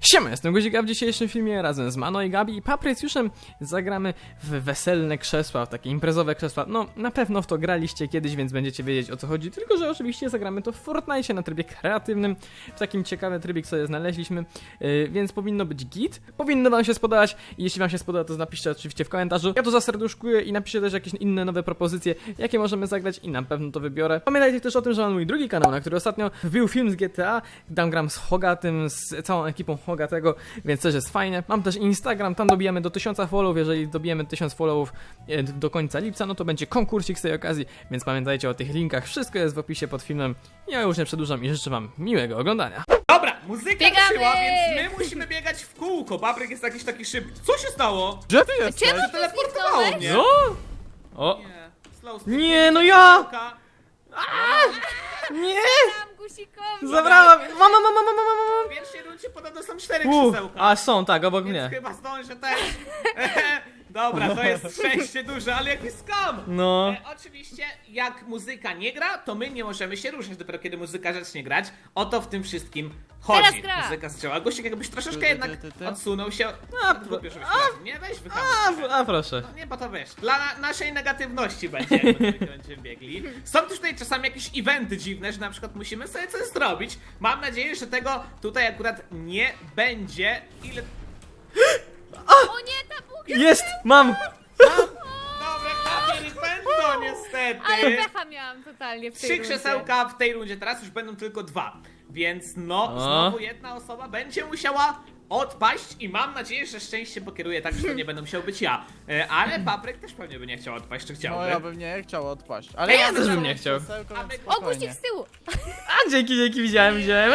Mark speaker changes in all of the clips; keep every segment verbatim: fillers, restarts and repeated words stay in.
Speaker 1: Siema, jestem Guzik, a w dzisiejszym filmie razem z Mano i Gabi i Paprycjuszem zagramy w weselne krzesła, w takie imprezowe krzesła. No, na pewno w to graliście kiedyś, więc będziecie wiedzieć, o co chodzi, tylko że oczywiście zagramy to w Fortnite na trybie kreatywnym, w takim ciekawym trybie, sobie znaleźliśmy, yy, więc powinno być git, powinno wam się spodobać i jeśli wam się spodoba, to napiszcie oczywiście w komentarzu. Ja to zaserduszkuję i napiszcie też jakieś inne nowe propozycje, jakie możemy zagrać i na pewno to wybiorę. Pamiętajcie też o tym, że mam mój drugi kanał, na który ostatnio wbił film z G T A, tam gram z Hogatym, z całą ekipą Hogatego, więc też jest fajne. Mam też Instagram, tam dobijamy do tysiąca followów, jeżeli dobijemy tysiąc followów do końca lipca, no to będzie konkursik z tej okazji, więc pamiętajcie o tych linkach, wszystko jest w opisie pod filmem. Ja już nie przedłużam i życzę wam miłego oglądania.
Speaker 2: Dobra, muzyka
Speaker 3: Biegamy!
Speaker 2: ruszyła, więc my musimy biegać w kółko. Papryk jest jakiś taki szybki. Co się stało?
Speaker 4: Gdzie ty jesteś?
Speaker 3: Czemu ty
Speaker 2: Teleportowało
Speaker 3: zniknąłeś?
Speaker 2: mnie.
Speaker 1: No? O,
Speaker 2: Nie, slow
Speaker 1: nie, no ja!
Speaker 2: Slow
Speaker 1: Nie!
Speaker 3: Tam guzikowi!
Speaker 1: Zabrałam! Mama, mama, mama, mama, mama!
Speaker 2: W pierwszej rundzie podobno są cztery
Speaker 1: U,
Speaker 2: krzesełka.
Speaker 1: a są, tak, obok
Speaker 2: Więc
Speaker 1: mnie.
Speaker 2: chyba zdążę też. Dobra, to jest szczęście duże, ale jaki skam!
Speaker 1: No.
Speaker 2: E, oczywiście, jak muzyka nie gra, to my nie możemy się ruszać, dopiero kiedy muzyka zacznie grać. O to w tym wszystkim chodzi.
Speaker 3: Teraz gra.
Speaker 2: Muzyka strzała. Gościek jakbyś troszeczkę
Speaker 4: Ty, ty,
Speaker 2: jednak
Speaker 4: ty, ty.
Speaker 2: odsunął się.
Speaker 1: A,
Speaker 2: No, głupio, żebyś
Speaker 1: a,
Speaker 2: trafił. Nie, weź
Speaker 1: A,
Speaker 2: wyhamuj.
Speaker 1: a proszę.
Speaker 2: Nie, bo to wiesz, dla na naszej negatywności będzie, jak my będziemy biegli. Są też tutaj czasami jakieś eventy dziwne, że na przykład musimy sobie coś zrobić. Mam nadzieję, że tego tutaj akurat nie będzie. Ile...
Speaker 3: O nie, ta bułka!
Speaker 1: Jest! Mam!
Speaker 2: Dobra, Kamil, będą niestety.
Speaker 3: Ale pecha miałam totalnie w tej
Speaker 2: Trzy
Speaker 3: rundzie.
Speaker 2: krzesełka w tej rundzie, teraz już będą tylko dwa. Więc no,
Speaker 1: O.
Speaker 2: znowu jedna osoba będzie musiała odpaść i mam nadzieję, że szczęście pokieruje tak, że to nie będę musiał być ja. E, Ale Papryk też pewnie by nie chciał odpaść, czy chciałby?
Speaker 4: No ja bym nie chciał odpaść. Ale
Speaker 1: Ja
Speaker 4: ja
Speaker 1: też
Speaker 4: bym
Speaker 1: bym nie chciał.
Speaker 4: krzesełko,
Speaker 2: A my-
Speaker 4: więc
Speaker 3: O,
Speaker 4: spokojnie.
Speaker 3: guzik z tyłu!
Speaker 1: A, dzięki, dzięki, widziałem, widziałem.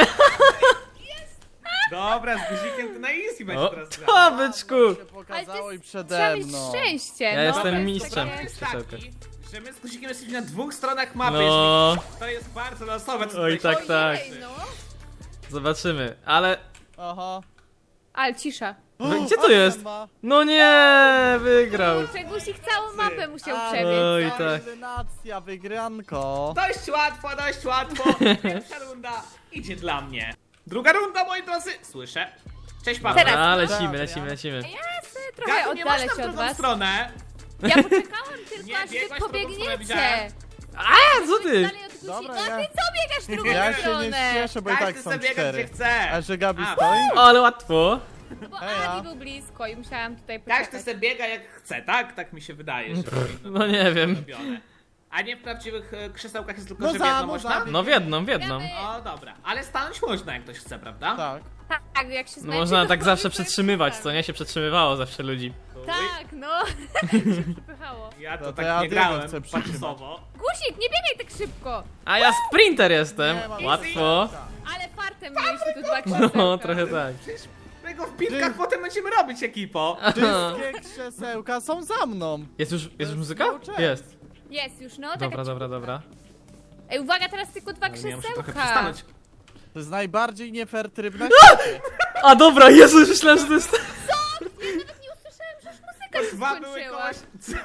Speaker 2: Dobra, z guzikiem to na easy będzie
Speaker 1: O,
Speaker 2: teraz grać.
Speaker 1: to byczku!
Speaker 4: To się
Speaker 3: Ale to
Speaker 4: pokazało i
Speaker 3: jest, trzeba
Speaker 4: przede
Speaker 3: mieć
Speaker 4: mną.
Speaker 3: szczęście!
Speaker 1: Ja
Speaker 3: no,
Speaker 1: jestem
Speaker 3: to jest
Speaker 1: mistrzem.
Speaker 3: takie-
Speaker 2: Jest
Speaker 1: krzesełkach.
Speaker 2: taki, że my z guzikiem jesteśmy na dwóch stronach mapy.
Speaker 1: No.
Speaker 2: Jeśli to jest bardzo losowe. co
Speaker 1: Oj,
Speaker 2: tutaj
Speaker 1: tak,
Speaker 2: się
Speaker 1: tak.
Speaker 3: Ojej, no.
Speaker 1: Zobaczymy, ale...
Speaker 4: Aha.
Speaker 3: Ale cisza.
Speaker 1: Gdzie to jest?
Speaker 4: Ma.
Speaker 1: No nie, wygrał.
Speaker 3: Kurczę, guzik całą mapę musiał
Speaker 4: A,
Speaker 3: przebiec.
Speaker 1: Oj,
Speaker 4: no,
Speaker 1: tak.
Speaker 4: Eliminacja, wygranko.
Speaker 2: Dość łatwo, dość łatwo. Pierwsza runda idzie dla mnie. Druga runda, moi drodzy. Słyszę. Cześć, Paweł.
Speaker 3: Teraz.
Speaker 1: A, lecimy, lecimy, lecimy.
Speaker 3: Ja sobie trochę
Speaker 2: Gabi, nie masz
Speaker 3: oddalę
Speaker 2: tam
Speaker 3: się
Speaker 2: w
Speaker 3: od
Speaker 2: drugą
Speaker 3: was.
Speaker 2: stronę.
Speaker 3: Ja poczekałam tylko,
Speaker 2: Nie,
Speaker 3: aż wy
Speaker 2: biegłaś w drugą stronę,
Speaker 3: pobiegniecie.
Speaker 2: widziałem.
Speaker 1: A, co ty?
Speaker 3: Dalej od guzik.
Speaker 4: Dobra,
Speaker 3: No a
Speaker 4: ja-
Speaker 3: ty co biegasz w drugą
Speaker 4: Ja się nie
Speaker 3: stronę?
Speaker 4: cieszę, bo i
Speaker 2: Każdy
Speaker 4: tak są
Speaker 2: sobie biega, gdzie
Speaker 4: cztery.
Speaker 2: chce.
Speaker 4: A że Gabi
Speaker 2: A,
Speaker 4: stoi?
Speaker 1: O, ale łatwo.
Speaker 3: No bo
Speaker 4: Heja.
Speaker 3: Adi był blisko i musiałam tutaj
Speaker 2: Każdy
Speaker 3: poczekać.
Speaker 2: sobie biega jak chce, tak? Tak mi się wydaje, że powinno
Speaker 1: No nie
Speaker 2: być
Speaker 1: wiem.
Speaker 2: robione. A nie w prawdziwych e, krzesełkach jest tylko,
Speaker 4: No
Speaker 2: że w
Speaker 4: za,
Speaker 2: jedno
Speaker 4: no
Speaker 2: można?
Speaker 4: za.
Speaker 1: No w jedną, w jedną.
Speaker 3: Gramy.
Speaker 2: O, dobra. Ale stanąć można, jak ktoś chce, prawda?
Speaker 4: Tak.
Speaker 3: Tak, jak się
Speaker 1: No
Speaker 3: zmęczy,
Speaker 1: można
Speaker 3: to
Speaker 1: tak
Speaker 3: może
Speaker 1: zawsze
Speaker 3: sobie
Speaker 1: przetrzymywać, co
Speaker 3: poczekamy.
Speaker 1: nie? Się przetrzymywało zawsze ludzi.
Speaker 2: Uj,
Speaker 3: Tak, no. się przypychało.
Speaker 2: Ja to
Speaker 4: No to
Speaker 2: tak
Speaker 4: ja
Speaker 2: nie
Speaker 4: Diego
Speaker 2: grałem,
Speaker 4: chcę przytrzymać.
Speaker 2: paczusowo.
Speaker 3: Guzik, nie biegaj tak szybko.
Speaker 1: A ja sprinter jestem.
Speaker 4: Nie mam-
Speaker 1: Łatwo.
Speaker 3: Ale fartem mieliśmy tu dwa krzesełka.
Speaker 1: No, trochę tak.
Speaker 2: Przecież my go w pilkach potem będziemy robić, ekipo.
Speaker 4: Wszystkie krzesełka są za mną.
Speaker 1: Jest już, jest już muzyka?
Speaker 4: cały czas.
Speaker 1: Jest.
Speaker 3: Jest już, no.
Speaker 1: Dobra,
Speaker 3: taka
Speaker 1: dobra,
Speaker 3: cichutka.
Speaker 1: dobra.
Speaker 3: Ej, uwaga, teraz tylko dwa
Speaker 2: Ale ja muszę trochę
Speaker 3: krzesełka.
Speaker 2: przystanąć.
Speaker 4: To jest najbardziej nie fair tryb na świecie.
Speaker 1: A dobra, Jezu, już myślałem, że to jest...
Speaker 3: Ja nawet nie usłyszałem, że już muzyka się
Speaker 2: Dwa były
Speaker 3: skończyła.
Speaker 2: kołaś.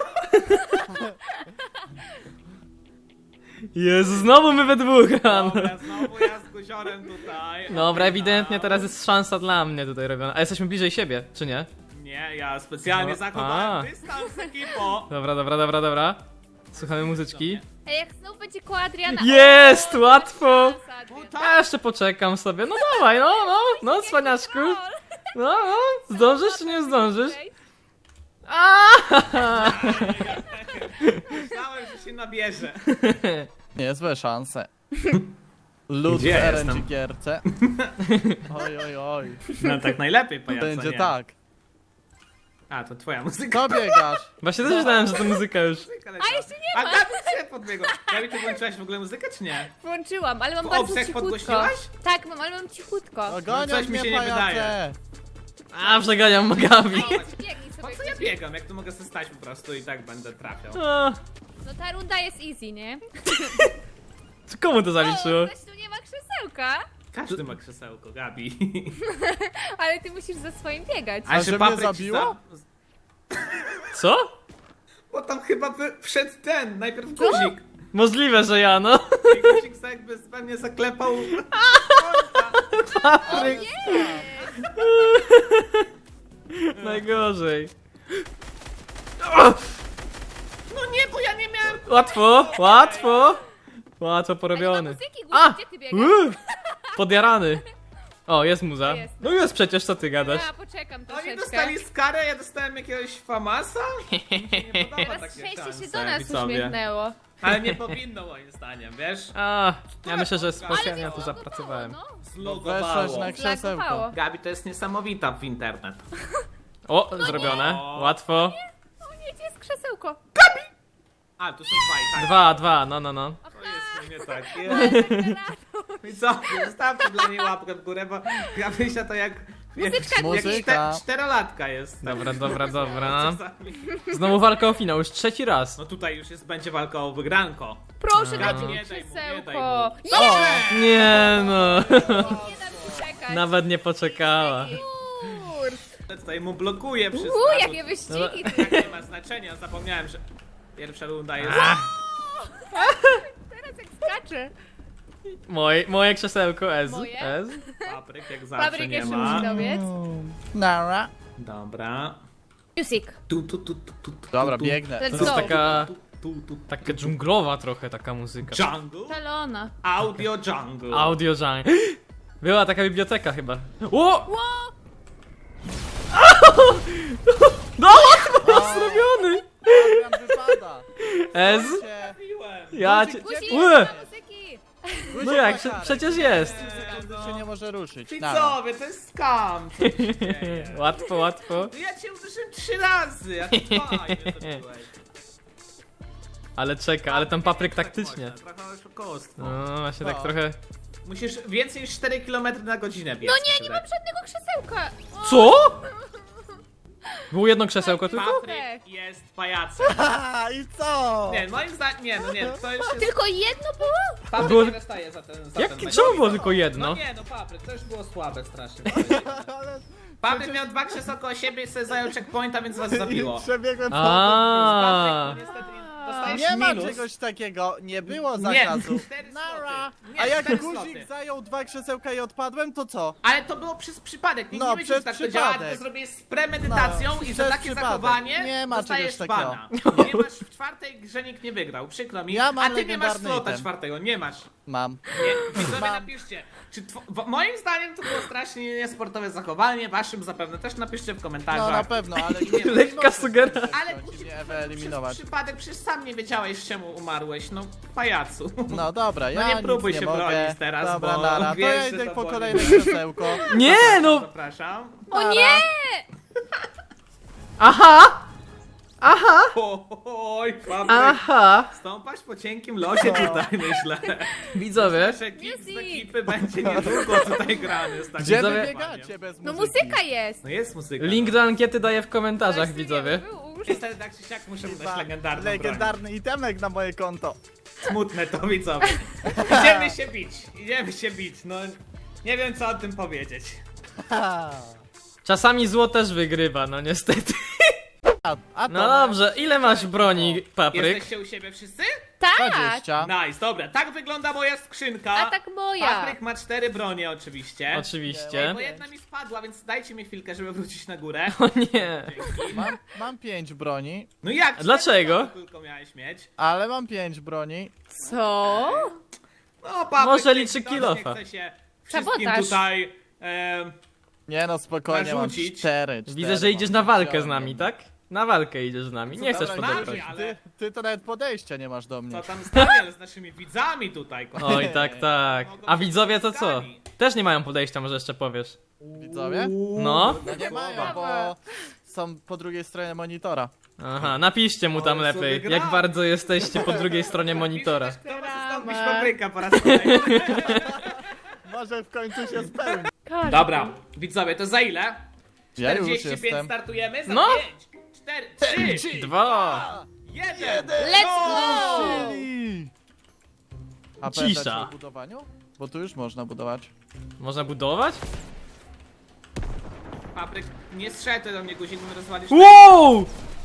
Speaker 1: Jezu, znowu my we dwóch rano.
Speaker 2: Dobra, znowu ja z guziorem tutaj.
Speaker 1: Dobra, ewidentnie teraz jest szansa dla mnie tutaj robiona. A jesteśmy bliżej siebie, czy nie?
Speaker 2: Nie, ja specjalnie
Speaker 1: No,
Speaker 2: zachowałem
Speaker 1: a.
Speaker 2: dystans, ekipo.
Speaker 1: Dobra, dobra, dobra, dobra. Słuchamy muzyczki.
Speaker 3: Ej, jak znowu będzie koło Adriana.
Speaker 1: Jest, łatwo.
Speaker 3: Szansa, Adrian.
Speaker 1: Ja jeszcze poczekam sobie. No dawaj, no, no, no, cwaniaczku. No, no, zdążysz czy nie zdążysz? Aaaa!
Speaker 2: Myślałem, że się nabierze.
Speaker 4: Niezłe szanse. Lud w
Speaker 2: Gdzie
Speaker 4: R
Speaker 2: jestem?
Speaker 4: N G gierce. Oj, oj, oj.
Speaker 2: No tak najlepiej, pajaca,
Speaker 4: Będzie
Speaker 2: nie?
Speaker 4: tak.
Speaker 2: A, to twoja muzyka.
Speaker 4: Co biegasz?
Speaker 1: Właśnie też myślałem, że to muzyka już.
Speaker 3: A jeszcze nie
Speaker 2: A
Speaker 3: ma.
Speaker 2: Gabi się podbiegła. Gabi, ty włączyłaś w ogóle muzykę, czy nie?
Speaker 3: Włączyłam, ale mam
Speaker 2: W
Speaker 3: bardzo
Speaker 2: obsach
Speaker 3: cichutko.
Speaker 2: podgłośniłaś?
Speaker 3: Tak, mam, ale mam cichutko.
Speaker 4: Ogonią
Speaker 2: coś mi
Speaker 4: mnie
Speaker 2: się nie
Speaker 4: pajace.
Speaker 2: wydaje.
Speaker 1: A, przeganiam Magabi.
Speaker 3: Ej, biegnij
Speaker 2: Po
Speaker 3: sobie.
Speaker 2: co ja biegam, jak tu mogę sobie stać po prostu i tak będę trafiał.
Speaker 1: A,
Speaker 3: No ta runda jest easy, nie?
Speaker 1: komu to zaliczyło?
Speaker 3: O, ktoś tu nie ma krzesełka,
Speaker 2: Każdy ma krzesełko, Gabi.
Speaker 3: ale ty musisz za swoim biegać.
Speaker 4: A że mnie
Speaker 2: papryk ci
Speaker 4: zabiło?
Speaker 2: za-
Speaker 1: Co?
Speaker 2: Bo tam chyba by wszedł ten, najpierw guzik.
Speaker 1: Możliwe, że ja, no.
Speaker 2: I guzik sobie jakby pewnie zaklepał.
Speaker 1: Papryk.
Speaker 3: Nie!
Speaker 1: Najgorzej.
Speaker 2: No nie, bo ja nie miałem...
Speaker 1: Łatwo, łatwo. Łatwo
Speaker 3: Nie
Speaker 1: porobiony.
Speaker 3: ma muzyki,
Speaker 1: A!
Speaker 3: Guzik, gdzie ty biegasz?
Speaker 1: Uuu, podjarany. O, jest muza.
Speaker 3: Jest.
Speaker 1: No jest przecież, co ty gadasz?
Speaker 3: Ja poczekam
Speaker 2: Oni
Speaker 3: troszeczkę.
Speaker 2: dostali skarę, ja dostałem jakiegoś famasa? Mi się nie podoba
Speaker 3: Teraz
Speaker 2: takie
Speaker 3: szczęście się
Speaker 2: szanse,
Speaker 3: do nas
Speaker 2: widzowie.
Speaker 3: uśmiechnęło.
Speaker 2: Ale nie powinno moim zdaniem, wiesz?
Speaker 1: A, ja myślę, że
Speaker 2: Ale
Speaker 1: specjalnie na to
Speaker 3: Ale
Speaker 1: zapracowałem.
Speaker 3: no.
Speaker 4: Weszłaś na krzesełko.
Speaker 3: Zlagowało.
Speaker 2: Gabi to jest niesamowita w internet.
Speaker 1: O, zrobione. Łatwo.
Speaker 3: O nie, gdzie jest krzesełko?
Speaker 2: A, tu są dwa i tak.
Speaker 1: Dwa, dwa, no, no, no.
Speaker 2: To jest nie tak. I co? Zostawcie dla niej łapkę w górę, bo Gabrysia to jak...
Speaker 3: Muzyczka.
Speaker 2: jak
Speaker 4: Muzyka.
Speaker 2: czte, czterolatka jest.
Speaker 1: Dobra, dobra, dobra.
Speaker 2: Czasami.
Speaker 1: Znowu walka o finał, już trzeci raz.
Speaker 2: No tutaj już jest, będzie walka o wygranko.
Speaker 3: Proszę,
Speaker 1: A.
Speaker 3: dajcie mi
Speaker 2: Nie daj mu, nie daj
Speaker 3: krzesełko.
Speaker 2: mu.
Speaker 3: Nie,
Speaker 1: Nie no.
Speaker 3: nie dam ci czekać.
Speaker 1: Nawet nie poczekała.
Speaker 3: Kurde.
Speaker 2: Tutaj mu blokuje wszystko.
Speaker 3: Uuu,
Speaker 2: A
Speaker 3: jakie
Speaker 2: to
Speaker 3: wyścigi.
Speaker 2: tak nie ma znaczenia, zapomniałem, że pierwsza runda jest...
Speaker 3: Teraz jak skacze.
Speaker 1: Moje, moje krzesełko S.
Speaker 3: Moje?
Speaker 1: S.
Speaker 2: Papryk jak zawsze
Speaker 3: Fabryk
Speaker 2: nie
Speaker 3: jeszcze
Speaker 2: ma.
Speaker 3: musi dobiec.
Speaker 4: Nara.
Speaker 2: Dobra.
Speaker 3: Music.
Speaker 2: Tu, tu, tu, tu, tu, tu,
Speaker 4: Dobra,
Speaker 2: tu,
Speaker 4: biegnę.
Speaker 3: Let's
Speaker 1: To jest
Speaker 3: go.
Speaker 1: taka,
Speaker 2: tu, tu, tu.
Speaker 1: taka dżunglowa trochę taka muzyka.
Speaker 2: Jungle?
Speaker 3: Talona.
Speaker 2: Audio jungle.
Speaker 1: Audio genre. Była taka biblioteka chyba. O!
Speaker 3: Ło!
Speaker 1: No łatwo zrobiony!
Speaker 4: Adrian wypada.
Speaker 1: S.
Speaker 4: Cię.
Speaker 2: Mówiłem.
Speaker 1: Ja cię...
Speaker 3: Guzik,
Speaker 1: Ue!
Speaker 3: nie ma muzyki.
Speaker 1: No jak, prze- przecież jest.
Speaker 4: Sekundy się nie może ruszyć. Nara.
Speaker 2: Widzowie, to jest scam. Co tu się dzieje?
Speaker 1: Łatwo, łatwo.
Speaker 2: No ja cię uderzyłem trzy razy, a ty fajnie zrobiłeś.
Speaker 1: Ale czeka, ale tam papryk taktycznie.
Speaker 2: Trochę oszukostwo.
Speaker 1: No właśnie tak
Speaker 2: No.
Speaker 1: trochę...
Speaker 2: Musisz więcej niż cztery kilometry na godzinę biec.
Speaker 3: No nie, nie mam żadnego krzesełka. O,
Speaker 1: Co? Było jedno krzesełko tylko?
Speaker 2: Papryk jest pajacem.
Speaker 4: Haha, i co?
Speaker 2: Nie, moim zdaniem, nie, no nie, to już jest...
Speaker 3: Tylko jedno było?
Speaker 2: Papryk
Speaker 1: Było-
Speaker 2: nie dostaje za ten, za
Speaker 1: Jak,
Speaker 2: ten mecz.
Speaker 1: czemu było
Speaker 2: No,
Speaker 1: tylko jedno?
Speaker 2: No nie, no papryk, to już było słabe strasznie.
Speaker 4: Ale
Speaker 2: Papryk miał dwa krzesełka koło siebie i sobie zajął checkpointa, więc was zabiło.
Speaker 4: przebiegłem po
Speaker 1: A.
Speaker 2: Papryk, niestety, dostajesz
Speaker 4: Nie ma
Speaker 2: minus.
Speaker 4: czegoś takiego, nie było
Speaker 2: Nie,
Speaker 4: zakazu.
Speaker 2: cztery
Speaker 4: Nara.
Speaker 2: sloty. Nie,
Speaker 4: A jak
Speaker 2: cztery
Speaker 4: guzik
Speaker 2: sloty.
Speaker 4: zajął dwa krzesełka i odpadłem, to co?
Speaker 2: Ale to było przez przypadek, nikt
Speaker 4: No,
Speaker 2: nie wiedział, że
Speaker 4: przez
Speaker 2: tak to działa,
Speaker 4: przypadek.
Speaker 2: to zrobię z premedytacją
Speaker 4: No,
Speaker 2: i za
Speaker 4: przez
Speaker 2: takie
Speaker 4: przypadek.
Speaker 2: zachowanie
Speaker 4: Nie ma
Speaker 2: dostajesz
Speaker 4: czegoś takiego.
Speaker 2: bana. Ponieważ w czwartej grze nikt nie wygrał, przykro mi.
Speaker 4: Ja mam
Speaker 2: A ty nie masz
Speaker 4: legendarny
Speaker 2: slota
Speaker 4: item.
Speaker 2: czwartego, nie masz.
Speaker 4: Mam.
Speaker 2: Nie. Widzowie
Speaker 4: Mam.
Speaker 2: napiszcie, czy tw- w- moim zdaniem to było strasznie niesportowe zachowanie, waszym zapewne też napiszcie w
Speaker 4: No
Speaker 2: komentarzach.
Speaker 4: na pewno, ale nie
Speaker 1: Lekka sugerka.
Speaker 2: Ale
Speaker 4: Ale
Speaker 2: guzik,
Speaker 4: nie
Speaker 2: przez
Speaker 4: wyeliminować.
Speaker 2: przypadek, przecież sam nie wiedziałeś czemu umarłeś, no pajacu.
Speaker 4: No dobra, ja
Speaker 2: nie
Speaker 4: nic
Speaker 2: próbuj
Speaker 4: nie
Speaker 2: się
Speaker 4: mogę.
Speaker 2: bronić teraz,
Speaker 4: Dobra,
Speaker 2: bo
Speaker 4: nara, to
Speaker 2: wiesz,
Speaker 4: ja
Speaker 2: że
Speaker 4: idę
Speaker 2: to
Speaker 4: po
Speaker 2: boli.
Speaker 4: kolejne krzesełko.
Speaker 1: Nie no!
Speaker 2: Zapraszam.
Speaker 3: O
Speaker 4: Nara.
Speaker 3: nie!
Speaker 1: Aha! Aha!
Speaker 2: Oj, papryk.
Speaker 1: Aha!
Speaker 2: Stąpać po cienkim losie tutaj, myślę.
Speaker 1: Widzowie,
Speaker 2: Nasz ekip z
Speaker 3: Music.
Speaker 2: ekipy będzie niedługo tutaj grany. Z takim
Speaker 4: Gdzie wy
Speaker 1: Widzowie-
Speaker 4: biegacie bez
Speaker 3: No
Speaker 4: muzyki?
Speaker 3: muzyka jest.
Speaker 2: No jest muzyka.
Speaker 1: link do ankiety daję w komentarzach,
Speaker 3: Właśnie
Speaker 1: widzowie.
Speaker 3: nie był użyć.
Speaker 2: Niestety tak czy siak muszę
Speaker 4: Chyba
Speaker 2: dać legendarną
Speaker 4: legendarny itemek na moje konto.
Speaker 2: broń. Smutne to, widzowie. Idziemy się bić, idziemy się bić, no... Nie wiem co o tym powiedzieć.
Speaker 4: Ha.
Speaker 1: Czasami zło też wygrywa, no niestety.
Speaker 4: A, a to
Speaker 1: No dobrze, ile masz broni, papryk?
Speaker 2: Jesteście u siebie wszyscy?
Speaker 3: Tak!
Speaker 4: dwadzieścia.
Speaker 2: Nice, dobra, tak wygląda moja skrzynka.
Speaker 3: A tak moja.
Speaker 2: Patryk ma cztery bronie oczywiście.
Speaker 1: Oczywiście.
Speaker 2: Bo jedna mi spadła, więc dajcie mi chwilkę, żeby wrócić na górę.
Speaker 1: O nie.
Speaker 4: Mam, mam pięć broni,
Speaker 2: No jak?
Speaker 1: A dlaczego?
Speaker 2: cztery tylko miałeś mieć.
Speaker 4: ale mam pięć broni.
Speaker 3: Co?
Speaker 2: No, Patryk,
Speaker 1: Może
Speaker 2: nie-
Speaker 1: liczy
Speaker 2: ktoś
Speaker 1: kilofa.
Speaker 2: Nie chce się wszystkim
Speaker 3: Sabotaż.
Speaker 2: tutaj... em,
Speaker 4: Nie no, spokojnie, mam
Speaker 2: Narzucić.
Speaker 4: cztery, cztery.
Speaker 1: Widzę, że idziesz
Speaker 4: mam
Speaker 1: na walkę z
Speaker 4: wziąłem.
Speaker 1: nami, tak? Na walkę idziesz z nami, nie
Speaker 4: Dobra,
Speaker 1: chcesz
Speaker 2: na
Speaker 1: podeptać.
Speaker 2: mnie, ale-
Speaker 4: Ty, ty to nawet podejścia nie masz do mnie.
Speaker 2: Co tam stawiam z naszymi widzami tutaj, kochani.
Speaker 1: Oj, tak, tak. A widzowie to co? Też nie mają podejścia, może jeszcze powiesz.
Speaker 4: Widzowie?
Speaker 1: No.
Speaker 4: No nie mają, bo są po drugiej stronie monitora.
Speaker 1: Aha, napiszcie mu tam
Speaker 2: Ale sobie
Speaker 1: lepiej,
Speaker 2: gra.
Speaker 1: jak bardzo jesteście po drugiej stronie monitora.
Speaker 2: Kto ma zastąpić
Speaker 3: Drama.
Speaker 2: papryka po raz kolejny?
Speaker 4: Może w końcu się spełni.
Speaker 3: Każdy.
Speaker 2: Dobra, widzowie, to za ile?
Speaker 4: Ja już
Speaker 2: czterdzieści pięć
Speaker 4: jestem.
Speaker 2: startujemy? Za
Speaker 1: No.
Speaker 2: pięć, cztery, trzy,
Speaker 1: Dwa.
Speaker 2: jeden.
Speaker 3: Let's go!
Speaker 4: Czyli- A
Speaker 1: Cisza.
Speaker 4: pamiętacie o budowaniu? Bo tu już można budować.
Speaker 1: Można budować?
Speaker 2: Papryk, nie strzelaj do mnie guzik, bo rozwalisz.
Speaker 1: Wow!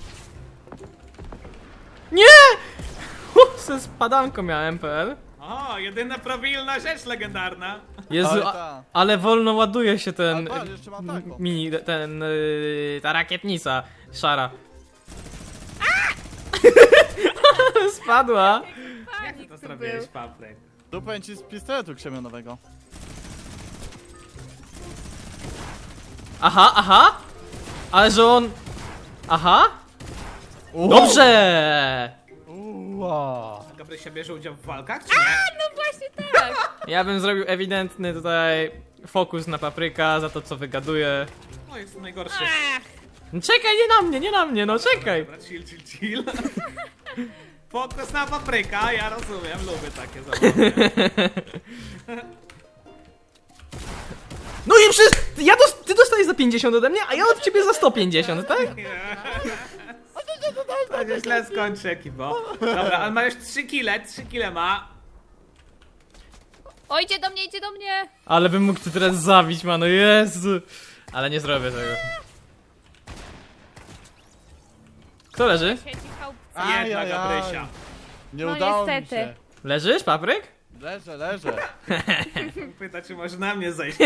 Speaker 1: Nie! Uh, ze spadanką miałem P L.
Speaker 2: O, jedyna prawilna rzecz legendarna.
Speaker 1: Jezu,
Speaker 4: Ale
Speaker 1: a,
Speaker 4: ta.
Speaker 1: ale wolno ładuje się ten
Speaker 4: Ale patrz, jeszcze mam taką.
Speaker 1: mini, ten, y, ta rakietnica szara. Spadła.
Speaker 2: Jak ty
Speaker 3: Panik
Speaker 2: to
Speaker 3: tu
Speaker 2: zrobiłeś,
Speaker 3: był.
Speaker 2: Papryk?
Speaker 4: Dupę ci z pistoletu krzemionowego.
Speaker 1: Aha, aha. Ale że on... Aha. Dobrze.
Speaker 4: Uła.
Speaker 2: Gabrysia bierze udział w walkach, czy nie?
Speaker 3: No właśnie tak.
Speaker 1: Ja bym zrobił ewidentny tutaj fokus na Papryka za to, co wygaduje.
Speaker 2: O, jest najgorszy.
Speaker 3: Ach,
Speaker 1: No czekaj, nie na mnie, nie na mnie, no czekaj.
Speaker 2: Dobra, chill, chill, chill. Fokus na Papryka, ja rozumiem, lubię takie zabawy.
Speaker 1: No i przecież ja dos ty dostajesz za pięćdziesiąt ode mnie, a ja od ciebie za sto pięćdziesiąt, tak?
Speaker 2: To się źle skończy, ekipo. Dobra, ale ma już trzy kile, trzy kile ma.
Speaker 3: o, idzie do mnie, idzie do mnie.
Speaker 1: Ale bym mógł tu teraz zabić, mano, Jezu. Ale nie zrobię tego. Kto leży?
Speaker 3: Siedzi chałupce.
Speaker 2: Jedna
Speaker 4: Ajajaj.
Speaker 2: Gabrysia.
Speaker 4: Nie
Speaker 3: No
Speaker 4: udało mi
Speaker 3: niestety.
Speaker 4: się.
Speaker 1: Leżysz, Papryk?
Speaker 4: Leżę, leżę.
Speaker 2: Pyta, czy może na mnie zejść.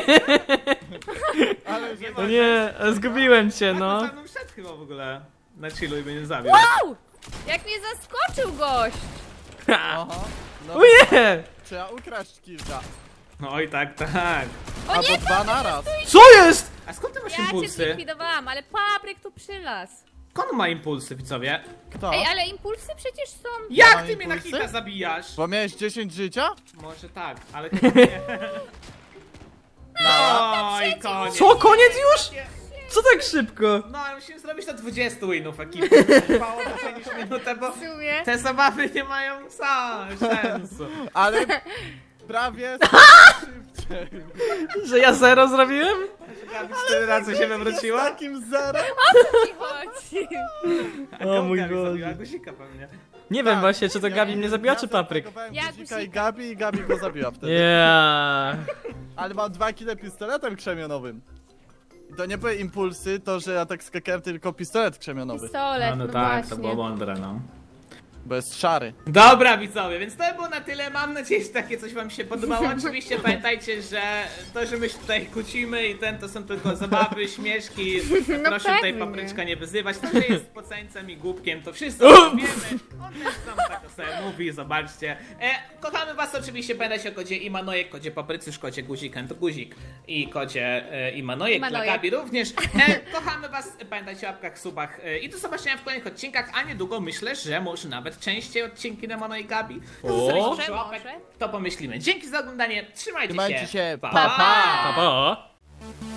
Speaker 4: Ale że...
Speaker 1: No nie, zgubiłem cię,
Speaker 2: No.
Speaker 1: no.
Speaker 2: No wszedł chyba w ogóle na chillu i mnie nie zabił.
Speaker 3: Wow! Jak mnie zaskoczył gość.
Speaker 4: Aha. No,
Speaker 1: O nie!
Speaker 4: trzeba ukraść kilka.
Speaker 2: Oj, tak, tak.
Speaker 3: O
Speaker 4: Albo
Speaker 3: nie,
Speaker 4: dwa naraz.
Speaker 1: Co jest?
Speaker 2: A skąd ty masz
Speaker 3: ja cię
Speaker 2: impulsy?
Speaker 3: zlikwidowałam, ale Papryk tu przylas.
Speaker 2: Skąd ma impulsy, widzowie?
Speaker 4: Kto?
Speaker 3: Ej, ale impulsy przecież są...
Speaker 2: Jak
Speaker 4: mam
Speaker 2: ty mnie na
Speaker 4: impulsy?
Speaker 2: hita zabijasz?
Speaker 4: Bo miałeś dziesięć życia?
Speaker 2: Może tak, ale chyba nie. Oj, koniec.
Speaker 1: Co, koniec już? Co tak szybko?
Speaker 2: No, ale musimy zrobić to dwadzieścia winów ekipy. Trwało dłużej niż minutę, bo
Speaker 3: W sumie.
Speaker 2: te zabawy nie mają sa- sensu.
Speaker 4: Ale prawie szybciej.
Speaker 1: Że ja zero zrobiłem?
Speaker 2: Gabi cztery razy się wywróciła?
Speaker 4: Z takim zerem?
Speaker 3: Ci chodzi.
Speaker 2: A
Speaker 1: O
Speaker 2: komu
Speaker 1: mój
Speaker 2: Gabi
Speaker 1: Boże.
Speaker 2: zabiła? Guzika pewnie.
Speaker 1: Nie wiem właśnie, czy to
Speaker 4: Ja
Speaker 1: Gabi
Speaker 4: nie
Speaker 1: mnie
Speaker 4: wiem,
Speaker 1: zabiła,
Speaker 4: ja
Speaker 1: czy Papryk.
Speaker 4: zaatakowałem
Speaker 3: Ja
Speaker 4: Guzika i
Speaker 3: Guzika.
Speaker 4: Gabi i Gabi go zabiła wtedy.
Speaker 1: Yeah.
Speaker 4: Ale mam dwa kile pistoletem krzemionowym. I to nie były impulsy, to że ja tak skakałem, tylko pistolet krzemionowy.
Speaker 3: Pistolet, no, właśnie.
Speaker 2: mądre, no.
Speaker 4: Bo jest szary.
Speaker 2: Dobra, widzowie, więc to było na tyle. Mam nadzieję, że takie coś wam się podobało. Oczywiście pamiętajcie, że to, że my się tutaj kłócimy i ten, to są tylko zabawy, śmieszki.
Speaker 3: No
Speaker 2: Proszę tutaj
Speaker 3: pewnie.
Speaker 2: Papryczka nie wyzywać. To, że jest poceńcem i głupkiem, to wszystko wiemy. On też sam tak o sobie mówi, zobaczcie. E, kochamy was oczywiście, pamiętajcie o kodzie Imanojek, kodzie Paprycysz, kodzie Guzik, to Guzik i kodzie e, Imanojek, dla
Speaker 3: Imanojek.
Speaker 2: Gabi również. E, kochamy was, pamiętajcie o łapkach, subach e, i do zobaczenia w kolejnych odcinkach, a niedługo myślę, że może nawet częściej odcinki Demona i Gabi.
Speaker 1: O!
Speaker 2: Zostawcie
Speaker 3: Może,
Speaker 2: łapek,
Speaker 3: może.
Speaker 2: to pomyślimy. Dzięki za oglądanie, trzymajcie,
Speaker 4: Trzymajcie się,
Speaker 2: pa!
Speaker 4: pa, pa.
Speaker 1: Pa, pa.